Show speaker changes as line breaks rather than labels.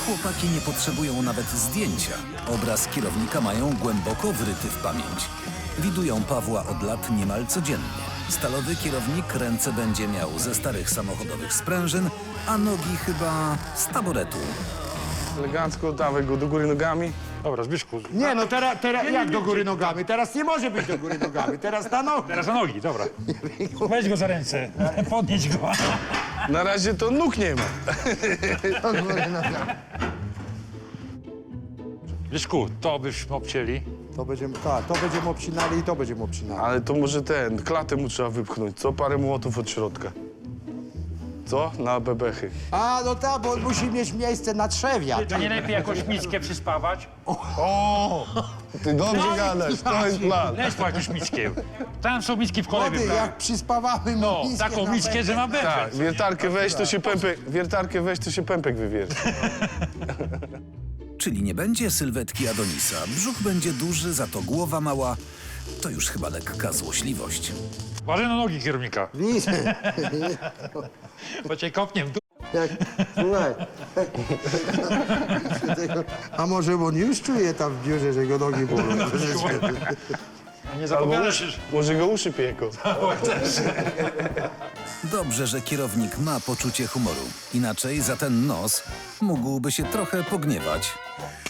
Chłopaki nie potrzebują nawet zdjęcia. Obraz kierownika mają głęboko wryty w pamięć. Widują Pawła od lat niemal codziennie. Stalowy kierownik ręce będzie miał ze starych samochodowych sprężyn, a nogi chyba z taboretu.
Elegancko, dawaj go do góry nogami.
Dobra, Zbyszku.
Nie, no teraz jak do góry nogami? Teraz nie może być do góry nogami, teraz na nogi.
Teraz na nogi, dobra. Weź go za ręce, podnieś go.
Na razie to nóg nie ma.
Do góry nogami.
Zbyszku, to byśmy obcięli.
To będziemy, tak, to będziemy obcinali i to będziemy obcinali.
Ale to może klatę mu trzeba wypchnąć, co? Parę młotów od środka. Co? Na bebechy.
A, no tak, bo on musi mieć miejsce na trzewia.
To nie lepiej jakąś miskę przyspawać?
Ty dobrze gadasz, to jest plan.
Leź po jakąś miskę. Tam są miski w kole
Młody,
wybrane.
jak przyspawamy mu
No,
miskę
taką
na
miskę, że na bebek.
Tak, wiertarkę weź, to się pępek wywierci.
Czyli nie będzie sylwetki Adonisa. Brzuch będzie duży, za to głowa mała. To już chyba lekka złośliwość.
Uważaj na nogi kierownika,
Widzę.
bo cię kopnie w dół.
Jak, słuchaj. A może on już czuje tam w biurze, że go nogi bolą?
Nie
Albo
zapowiadasz.
może go uszy pieką.
Dobrze, że kierownik ma poczucie humoru. Inaczej za ten nos mógłby się trochę pogniewać.